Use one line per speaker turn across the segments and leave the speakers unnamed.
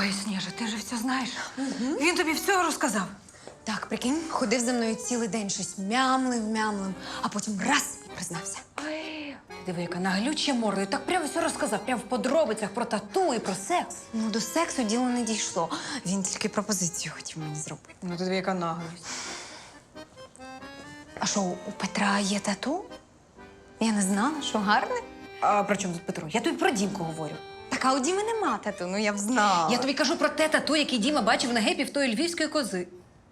Ой, Сніжа, ти же все знаєш. Він тобі все розказав.
Так, прикинь, ходив за мною цілий день, щось мямлив, а потім раз і признався.
Ой, ти диви, яка наглюча морда. І так прямо все розказав, прямо в подробицях про тату і про секс.
Ну, до сексу діло не дійшло. Він тільки пропозицію хотів мені зробити.
Ну, ти диви, яка наглість.
А що, у Петра є тату? Я не знала, що гарне.
А при чому тут Петро? Я тобі про Дімку говорю.
Так, а у Діми нема тату, ну я б знала.
Я тобі кажу про те тату, яке Діма бачив на гепі в тої львівської кози.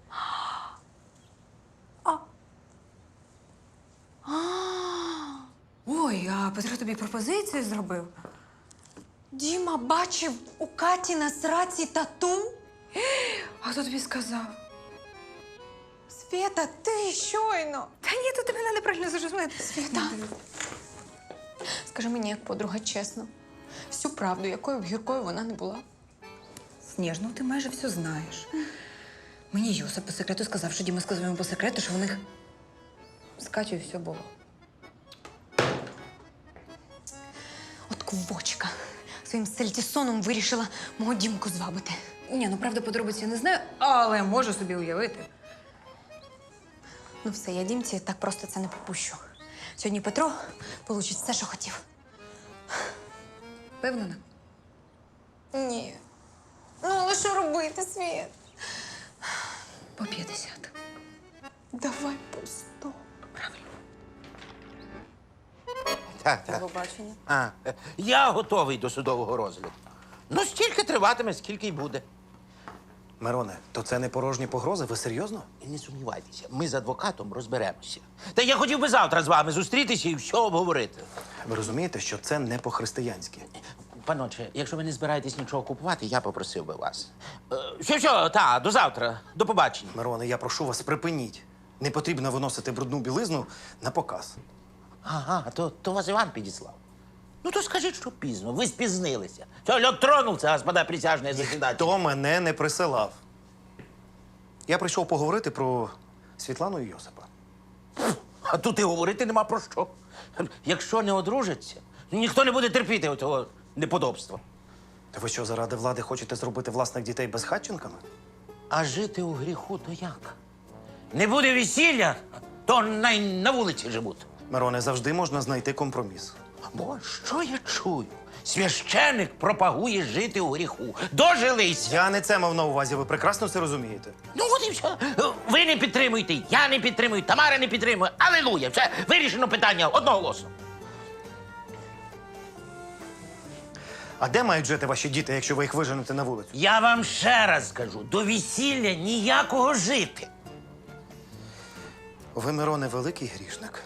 Ой, а Петро тобі пропозицію зробив?
Діма бачив у Каті на сраці тату?
А хто тобі сказав?
Свєта, ти щойно.
Та ні, то ти мене неправильно зрозуміла.
Свєта, скажи мені, як подруга, чесно, всю правду, якою б гіркою вона не була.
Сніж, ну ти майже все знаєш. Мені Йосип по секрету сказав, що Діма сказав йому по секрету, що в них з Катєю все було.
От квочка своїм сельтісоном вирішила мого Дімку звабити.
Ні, ну правда, подробиці я не знаю, але можу собі уявити.
Ну все, я Дімці так просто це не попущу. Сьогодні Петро получить все, що хотів.
Впевнена?
Ні. Ну, але що робити, Світ?
По 50.
Давай по 100.
Правильно.
Так.
Побачення.
Я готовий до судового розгляду. Ну, стільки триватиме, скільки й буде.
Мироне, то це не порожні погрози? Ви серйозно?
І не сумнівайтеся, ми з адвокатом розберемося. Та я хотів би завтра з вами зустрітися і все обговорити.
Ви розумієте, що це не по-християнськи.
Паноче, якщо ви не збираєтесь нічого купувати, я попросив би вас. До завтра. До побачення.
Мироне, я прошу вас, припиніть. Не потрібно виносити брудну білизну на показ.
Ага, то вас Іван підіслав. Ну, то скажіть, що пізно. Ви спізнилися. Все, льот тронувся, господа присяжні засідателі.
Хто мене не присилав? Я прийшов поговорити про Світлану і Йосипа.
А тут і говорити нема про що. Якщо не одружаться, ніхто не буде терпіти оцього неподобства.
Та ви що, заради влади хочете зробити власних дітей безхатченками?
А жити у гріху то як? Не буде весілля, то на вулиці живуть.
Мироне, завжди можна знайти компроміс.
Бо що я чую? Священик пропагує жити у гріху. Дожилися.
Я не це мав на увазі, ви прекрасно це розумієте.
Ну от і все. Ви не підтримуєте, я не підтримую, Тамара не підтримує. Алілуя! Все, вирішено питання одноголосно.
А де мають жити ваші діти, якщо ви їх виженете на вулицю?
Я вам ще раз скажу, до весілля ніякого жити.
Ви, Мироне, великий грішник.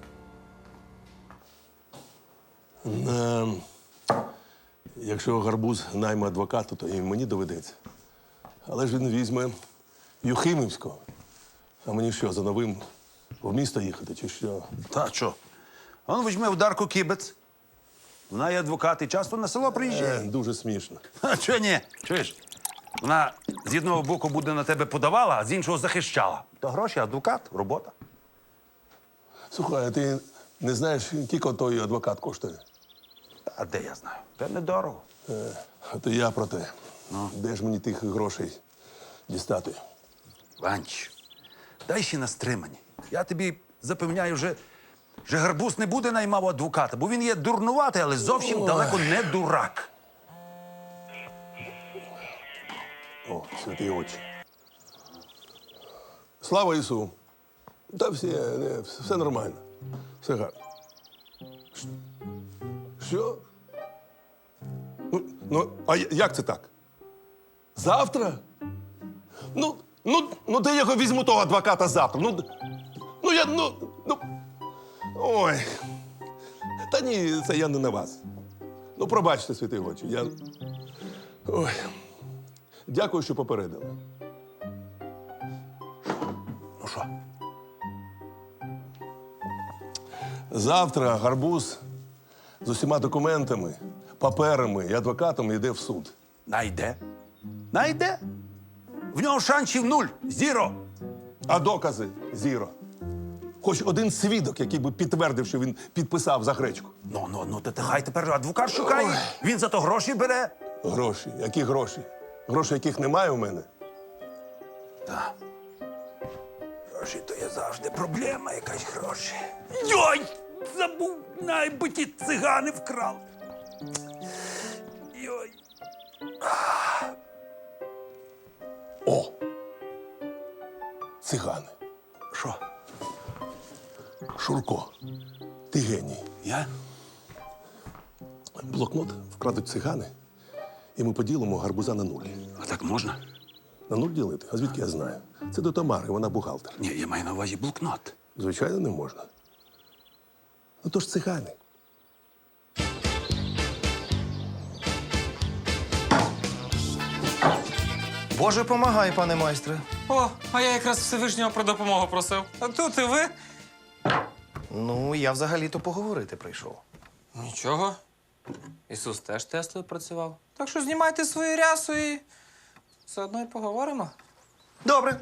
Якщо Гарбуз найме адвоката, то і мені доведеться. Але ж він візьме Юхимівського. А мені що, за новим в місто їхати, чи що?
Та що? Он візьме Дарку Кібець. Вона є адвокат і часто на село приїжджає.
Дуже смішно.
А чого ні? Чуєш? Вона з одного боку буде на тебе подавала, а з іншого захищала. То гроші, адвокат, робота.
Слухай, а ти не знаєш, скільки той адвокат коштує?
А де я знаю? Та недорого.
А то я про те. Де ж мені тих грошей дістати?
Ванч, дай ще на стримані. Я тобі запевняю, вже Гарбуз не буде наймав адвоката, бо він є дурнуватий, але зовсім далеко не дурак.
О, святі очі. Слава Ісу! Та все нормально. Все гарно. Що? А як це так? Завтра? Де я його візьму того адвоката завтра? Ой. Та ні, це я не на вас. Пробачте, святі очі. Ой. Дякую, що попередили.
Ну що?
Завтра Гарбуз з усіма документами, паперами і адвокатом йде в суд.
Найде. Найде. В нього шансів нуль. Зіро.
А докази зіро. Хоч один свідок, який би підтвердив, що він підписав за гречку.
Ну, то хай тепер адвокат шукає. Він за то гроші бере.
Гроші. Які гроші? Грошей, яких немає у мене.
Так. Гроші то є завжди проблема, якась гроші. Йой! Забув, найби ті цигани вкрали. Йой.
О! Цигани.
Що?
Шурко, ти геній.
Я?
Блокнот вкрадуть цигани, і ми поділимо гарбуза на нуль.
А так можна?
На нуль ділити? А звідки я знаю? Це до Тамари, вона бухгалтер.
Ні, я маю на увазі блокнот.
Звичайно, не можна. Ну то ж цигани.
Боже, помагай, пане майстре.
О, а я якраз Всевишнього про допомогу просив. А тут і ви.
Ну, я взагалі-то поговорити прийшов.
Нічого. Ісус теж тестою працював. Так що знімайте свою рясу і все одно і поговоримо.
Добре.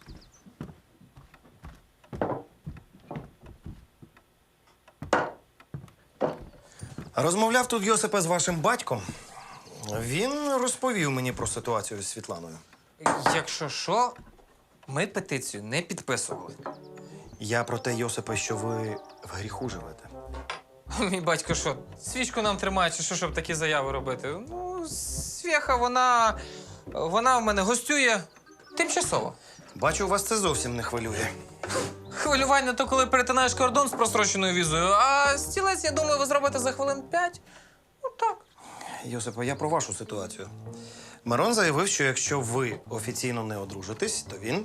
Розмовляв тут Йосипе з вашим батьком. Він розповів мені про ситуацію з Світланою.
Якщо що, ми петицію не підписували.
Я про те, Йосипе, що ви в гріху живете.
Мій батько що, свічку нам тримає, чи що, щоб такі заяви робити? Ну, Свєха, вона в мене гостює тимчасово.
Бачу, вас це зовсім не хвилює.
Хвилювання то, коли перетинаєш кордон з простроченою візою, а стілець, я думаю, ви зробите за хвилин 5. Ну так.
Йосипе, я про вашу ситуацію. Мирон заявив, що якщо ви офіційно не одружитесь, то він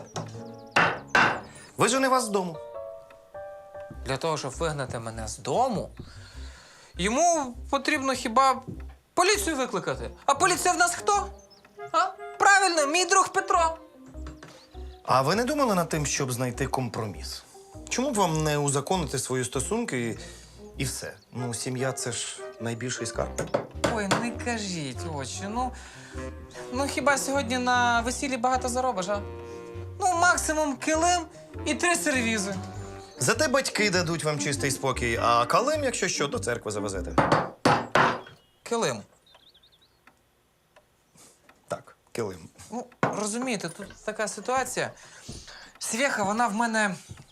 вижене вас з дому.
Для того, щоб вигнати мене з дому, йому потрібно хіба поліцію викликати. А поліція в нас хто? А? Правильно, мій друг Петро.
А ви не думали над тим, щоб знайти компроміс? Чому б вам не узаконити свої стосунки і все? Ну, сім'я це ж найбільший скарб.
Ой, не кажіть, очі. Ну хіба сьогодні на весіллі багато заробиш, а? Ну, максимум килим і 3 сервізи.
Зате батьки дадуть вам чистий спокій, а калим, якщо що, до церкви завезете.
Килим.
Так, килим.
Ну, розумієте, тут така ситуація. Свєха, вона в мене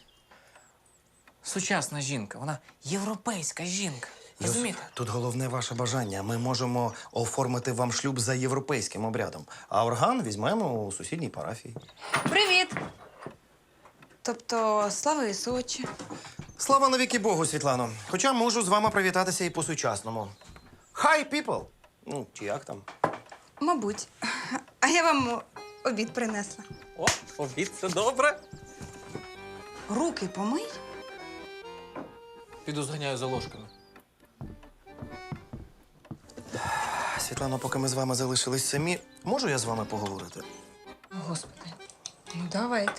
сучасна жінка, вона європейська жінка. Розумієте?
Йосип, тут головне ваше бажання. Ми можемо оформити вам шлюб за європейським обрядом, а орган візьмемо у сусідній парафії.
Привіт! Тобто, слава Ісучі.
Слава навіки Богу, Світлано. Хоча можу з вами привітатися і по-сучасному. Hi, people! Ну, чи як там?
Мабуть. А я вам обід принесла.
О, обід, це добре.
Руки помий.
Піду зганяю за ложками.
Світлано, поки ми з вами залишились самі, можу я з вами поговорити?
Господи, ну давайте.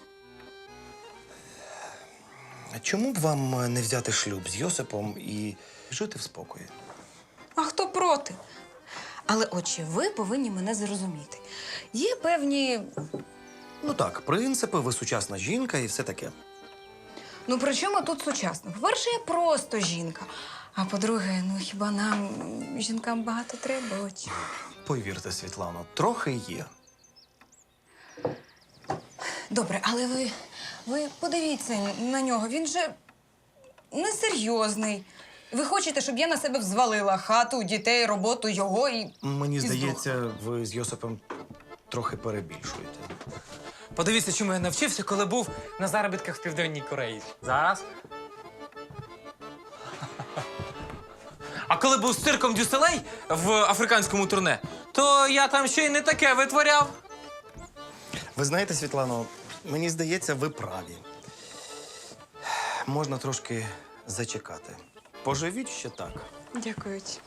Чому б вам не взяти шлюб з Йосипом і жити в спокої?
А хто проти? Але, отче, ви повинні мене зрозуміти. Є певні.
Ну так, принципи, ви сучасна жінка і все таке.
Ну, при чому тут сучасно? По-перше, я просто жінка. А по-друге, ну хіба нам, жінкам, багато треба, отче?
Повірте, Світлано, трохи є.
Добре, але ви подивіться на нього. Він же несерйозний. Ви хочете, щоб я на себе взвалила хату, дітей, роботу його і.
Мені
І
здається, ви з Йосипом трохи перебільшуєте.
Подивіться, чому я навчився, коли був на заробітках в Південній Кореї. Зараз. А коли був з цирком Дюселей в африканському турне, то я там ще й не таке витворяв.
Ви знаєте, Світлано, мені здається, ви праві. Можна трошки зачекати. Поживіть ще так.
Дякую. Отче.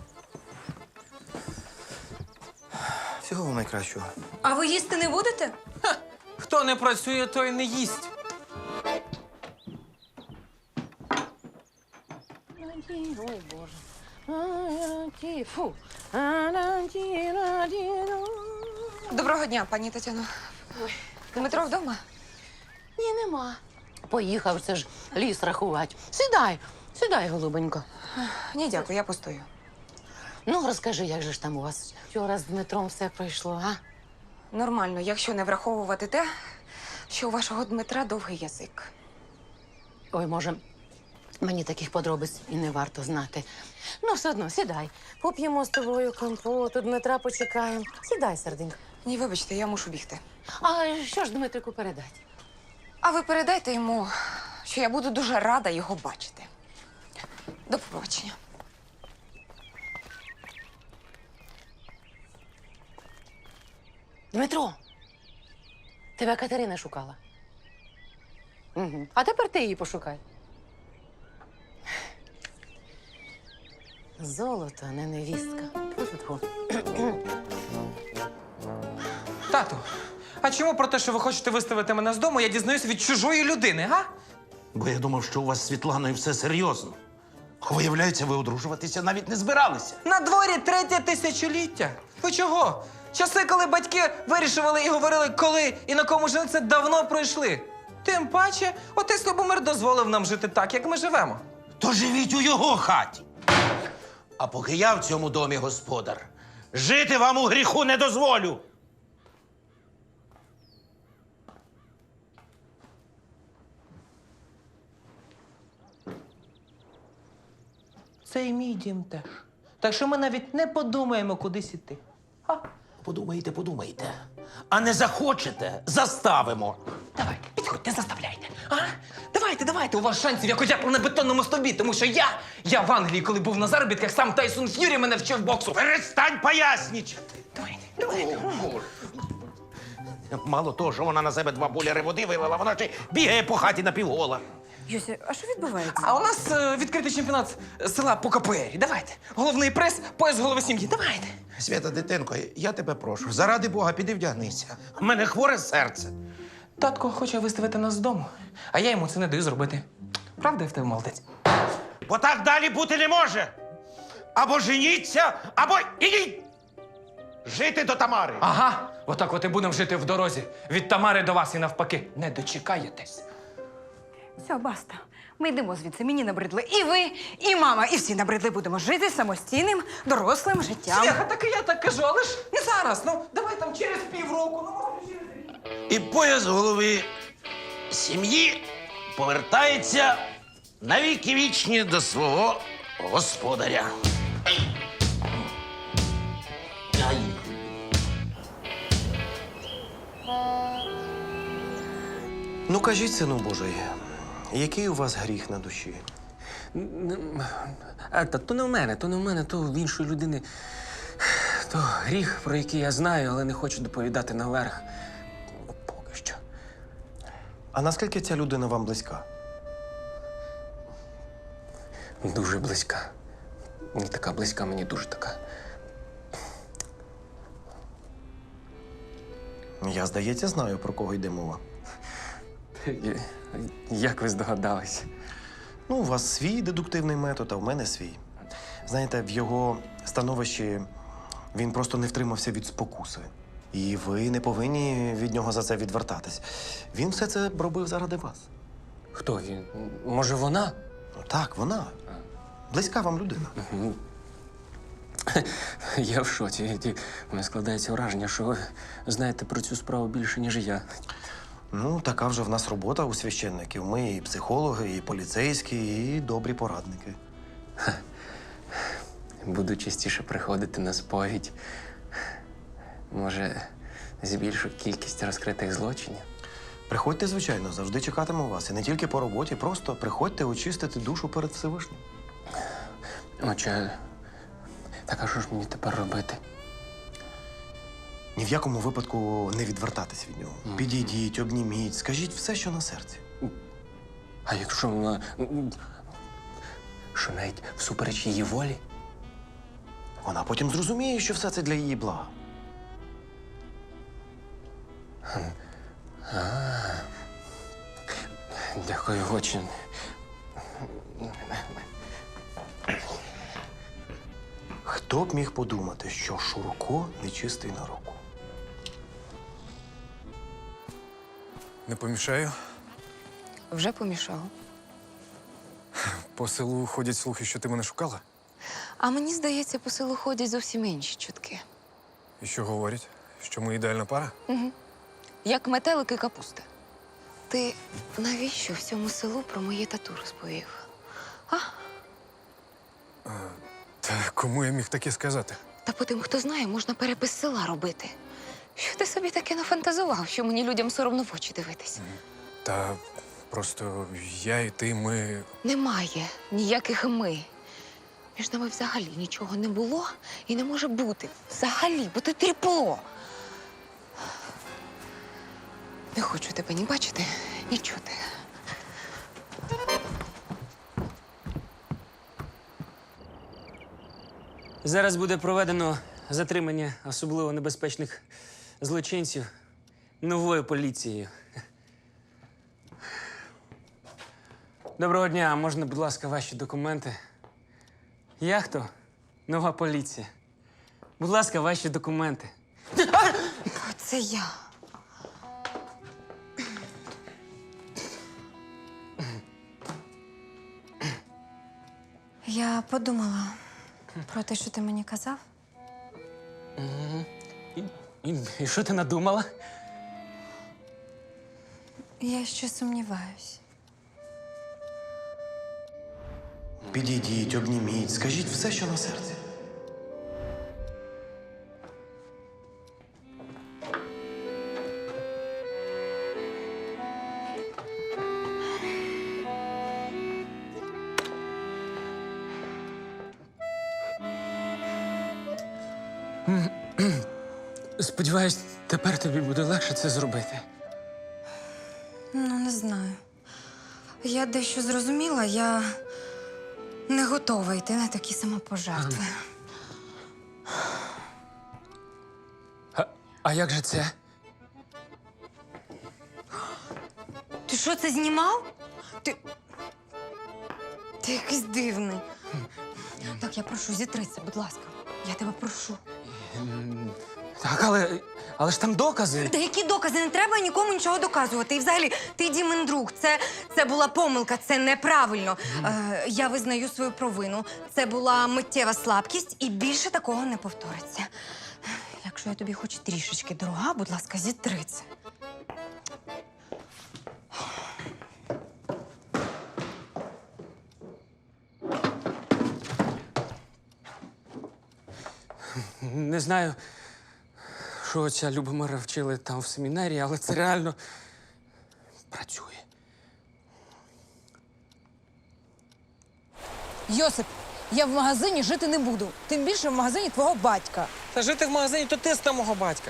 Всього вам найкращого.
А ви їсти не будете?
Хто не працює, той не їсть.
Ой, Боже. Фу.
Доброго дня, пані Тетяно. Дмитро вдома?
Ні, нема. Поїхав це ж ліс рахувати. Сідай, голубенько.
Ні, дякую, я постою.
Ну, розкажи, як же ж там у вас вчора з Дмитром все пройшло, а?
Нормально, якщо не враховувати те, що у вашого Дмитра довгий язик.
Ой, може, мені таких подробиць і не варто знати. Ну, все одно, сідай. Поп'ємо з тобою компоту, Дмитра почекаємо. Сідай, серденько.
Ні, вибачте, я мушу бігти.
А що ж Дмитрику передати?
А ви передайте йому, що я буду дуже рада його бачити. До побачення.
Дмитро, тебе Катерина шукала. Угу. А тепер ти її пошукай. Золото, а не невістка. Тьфу-тьфу-тьфу.
Тату, а чому про те, що ви хочете виставити мене з дому, я дізнаюся від чужої людини, га?
Бо я думав, що у вас з Світланою все серйозно. А виявляється, ви одружуватися навіть не збиралися.
На дворі 3-є тисячоліття. Ви чого? Часи, коли батьки вирішували і говорили, коли і на кому жениться, давно пройшли. Тим паче, отець Любомир дозволив нам жити так, як ми живемо.
То живіть у його хаті. А поки я в цьому домі господар, жити вам у гріху не дозволю.
Це і мій дім теж. Так що ми навіть не подумаємо, кудись іти.
Подумаєте. А не захочете, заставимо.
Давайте, підходьте, заставляйте. А? Давайте, у вас шансів, як отяпав на бетонному стовбі, тому що я в Англії, коли був на заробітках, сам Тайсон Ф'юрі мене вчив боксу.
Перестань пояснічати.
Давайте.
Мало того, що вона на себе 2 боляри води вилила, вона ще й бігає по хаті напівгола.
Юся, а що відбувається?
А у нас відкритий чемпіонат села по КПР. Давайте. Головний прес, пояс голови сім'ї. Давайте.
Свята, дитинко, я тебе прошу, заради Бога, піди вдягнися. У мене хворе серце.
Татко хоче виставити нас з дому, а я йому це не даю зробити. Правда, я в тебе молодець?
Бо так далі бути не може. Або женіться, або ідіть жити до Тамари.
Ага, отак от і будемо жити в дорозі. Від Тамари до вас і навпаки. Не дочекаєтесь.
Все, баста. Ми йдемо звідси. Мені набридли і ви, і мама, і всі набридли. Будемо жити самостійним, дорослим життям.
Свята, так і я так кажу, але ж не зараз. Ну, давай там через півроку, ну, може, через рік.
І пояс голови сім'ї повертається навіки вічні до свого господаря. Ай.
Ну, кажіть, сину Божий, який у вас гріх на душі?
То не в мене, то в іншої людини. То гріх, про який я знаю, але не хочу доповідати наверх. Поки що.
А наскільки ця людина вам близька?
Дуже близька. Не така близька, мені дуже така.
Я, здається, знаю, про кого йде мова.
Як ви здогадались?
Ну, у вас свій дедуктивний метод, а в мене свій. Знаєте, в його становищі він просто не втримався від спокуси. І ви не повинні від нього за це відвертатись. Він все це робив заради вас.
Хто він? Може, вона?
Ну, так, вона. Близька вам людина.
Я в шоці. У мене складається враження, що ви знаєте про цю справу більше, ніж я.
Ну, така вже в нас робота у священників. Ми і психологи, і поліцейські, і добрі порадники.
Буду частіше приходити на сповідь. Може, збільшу кількість розкритих злочинів?
Приходьте, звичайно, завжди чекатиму вас. І не тільки по роботі, просто приходьте очистити душу перед Всевишнім.
Отже, так а що ж мені тепер робити?
Ні в якому випадку не відвертатись від нього. Підійдіть, обніміть, скажіть все, що на серці.
А якщо вона. Що навіть всупереч її волі?
Вона потім зрозуміє, що все це для її блага.
Дякую, очень.
Хто б міг подумати, що Шурко нечистий на руку?
Не помішаю.
Вже помішав.
По селу ходять слухи, що ти мене шукала.
А мені здається, по селу ходять зовсім інші чутки.
І що говорять? Що ми ідеальна пара?
Як метелик і капуста. Ти навіщо всьому селу про моє тату розповів?
Та кому я міг таке сказати?
Та по тим, хто знає, можна перепис села робити. Що ти собі таке нафантазував, що мені людям соромно в очі дивитись?
Та просто я і ти, ми.
Немає ніяких ми. Між нами взагалі нічого не було і не може бути. Взагалі, бо ти тріпло. Не хочу тебе ні бачити, ні чути.
Зараз буде проведено затримання особливо небезпечних злочинців новою поліцією. Доброго дня, а можна, будь ласка, ваші документи? Я хто? Нова поліція. Будь ласка, ваші документи.
Це я. Я подумала про те, що ти мені казав.
І що ти надумала?
Я ще сумніваюсь.
Підійдіть, обніміть, скажіть все, що на серці.
Сподіваюсь, тепер тобі буде легше це зробити.
Ну, не знаю. Я дещо зрозуміла, я не готова йти на такі самопожертви.
А як же це?
Ти що, це знімав? Ти якийсь дивний. Так, я прошу, зітрися, будь ласка. Я тебе прошу.
Так, але ж там докази.
Та які докази? Не треба нікому нічого доказувати. І взагалі, ти Дімин друг. Це була помилка, це неправильно. Я визнаю свою провину. Це була миттєва слабкість, і більше такого не повториться. Якщо я тобі хоч трішечки дорога, будь ласка, зітри це.
Не знаю, що отця Любомира вчили там в семінарії, але це реально працює.
Йосип, я в магазині жити не буду. Тим більше в магазині твого батька.
Та жити в магазині то ти з мого батька.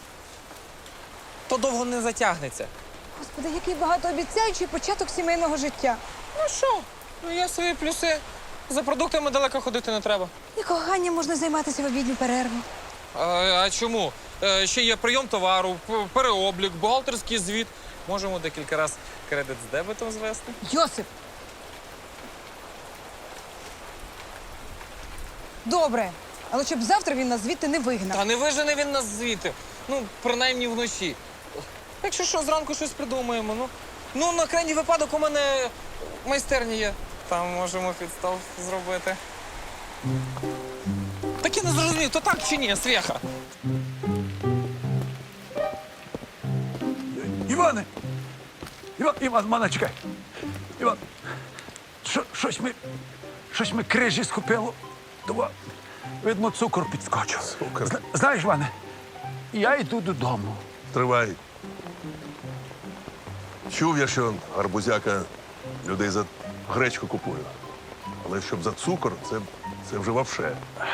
То довго не затягнеться.
Господи, який багатообіцяючий початок сімейного життя.
Ну що? Ну є свої плюси. За продуктами далеко ходити не треба.
І коханням можна займатися в обідню перерву.
А чому? Ще є прийом товару, переоблік, бухгалтерський звіт. Можемо декілька разів кредит з дебетом звести.
Йосип! Добре, але щоб завтра він нас звідти не вигнав.
Та не вижене він нас звідти. Ну, принаймні вночі. Якщо що, зранку щось придумаємо. Ну, на крайній випадок у мене майстерня є. Там можемо підстав зробити. Так я не зрозумів, то так чи ні, Свєха?
Іване! Іван, мана, чекай. Іван, щось ми крижі схопило. Давай, видно, цукор підскочив.
Цукор?
Знаєш, Іване, я йду додому.
Тривай. Чув я, що гарбузяка людей за гречку купує. Але щоб за цукор, це вже вовше.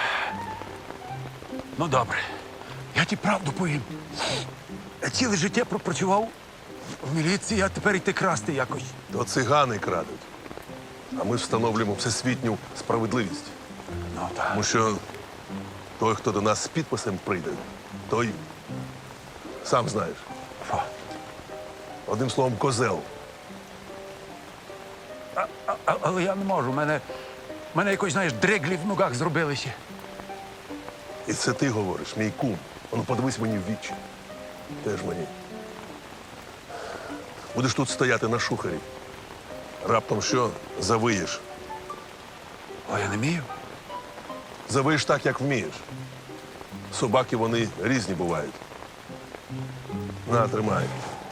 Ну, добре. Я ті правду повім. Я ціле життя пропрацював в міліції, а тепер йти красти якось.
То цигани крадуть. А ми ж встановлюємо всесвітню справедливість.
Ну, так.
Тому що той, хто до нас з підписом прийде, той сам знаєш.
Фу.
Одним словом, козел.
Але я не можу. Мене якось, знаєш, дреглі в ногах зробилися.
І це ти говориш, мій кум. Ну, подивись мені в вічі. Теж мені. Будеш тут стояти на шухері. Раптом що завиєш.
О, я не вмію.
Завиш так, як вмієш. Собаки вони різні бувають. На, тримай.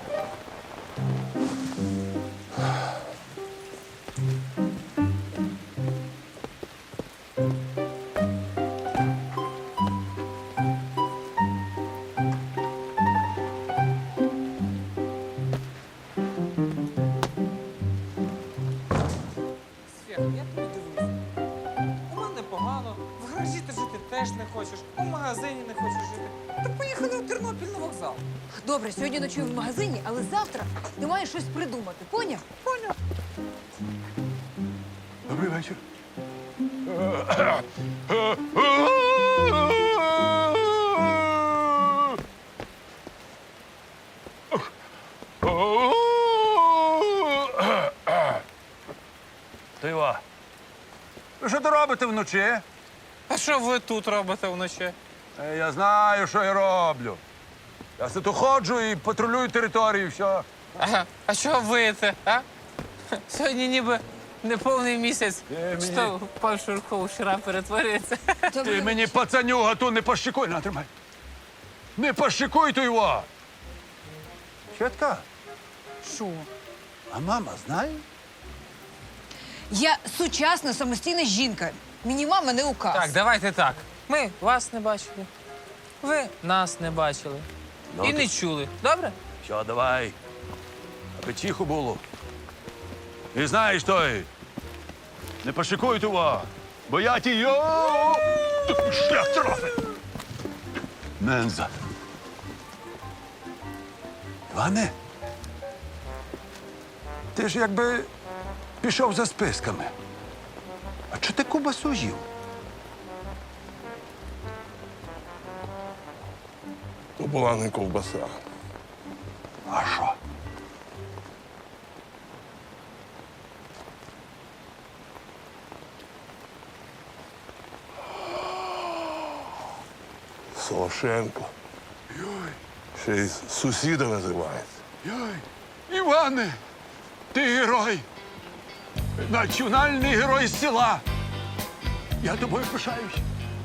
Свят, я тобі дивлюся. У мене погано, в гаражі ти жити теж не хочеш, у магазині не хочеш жити. Так поїхали у Тернопіль на вокзал.
Добре, сьогодні ночую в магазині, але завтра ти маєш щось придумати. Поняв?
Добрий вечір. Тива. Ви що ти робите вночі?
А що ви тут робите вночі?
Я знаю, що я роблю. Я все тут ходжу і патрулюю територію, все.
Ага, а що виєте, а? Сьогодні ніби неповний місяць.
мені-
Що пан Шурко вчора перетворюється.
Ти мені пацанюга ту не пощикуй, на, тримай. Не пощикуй ту його. Чітка,
Що?
а мама знає?
Я сучасна самостійна жінка. Мені мама не указ.
Так, давайте так. Ми вас не бачили, ви нас не бачили
Ну,
і не чули. Добре?
Що, давай. Аби тихо було. І знаєш той, не пошикуй того, бо я ті йо. Шлях трофи. Менза. Іване, ти ж якби пішов за списками. А чого ти кубасу їв?
То була не ковбаса.
А що?
Солошенко. Ще й сусіда називається.
Йой, Іване, ти герой. Національний герой села. Я тобою пишаюсь.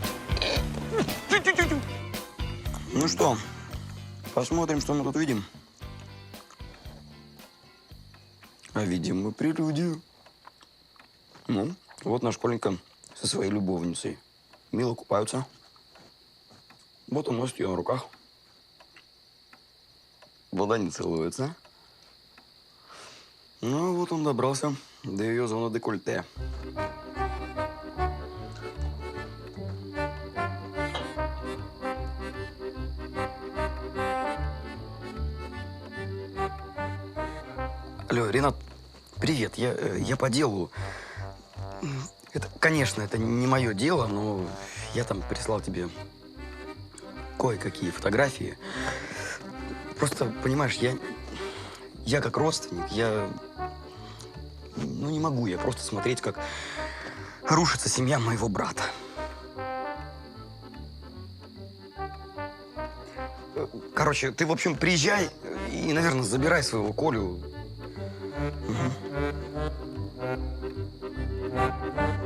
Ну что, посмотрим, что мы тут видим. А видим мы прелюдию. Ну, вот наш Коленька со своей любовницей. Мило купаются. Вот он носит ее на руках. Вода не целуется. Ну, вот он добрался до ее зоны декольте. Алло, Ренат, привет. Я по делу. Это, конечно, это не мое дело, но я там прислал тебе кое-какие фотографии. Просто, понимаешь, я как родственник, ну, не могу я просто смотреть, как рушится семья моего брата. Короче, ты, в общем, приезжай и, наверное, забирай своего Колю. Мгм.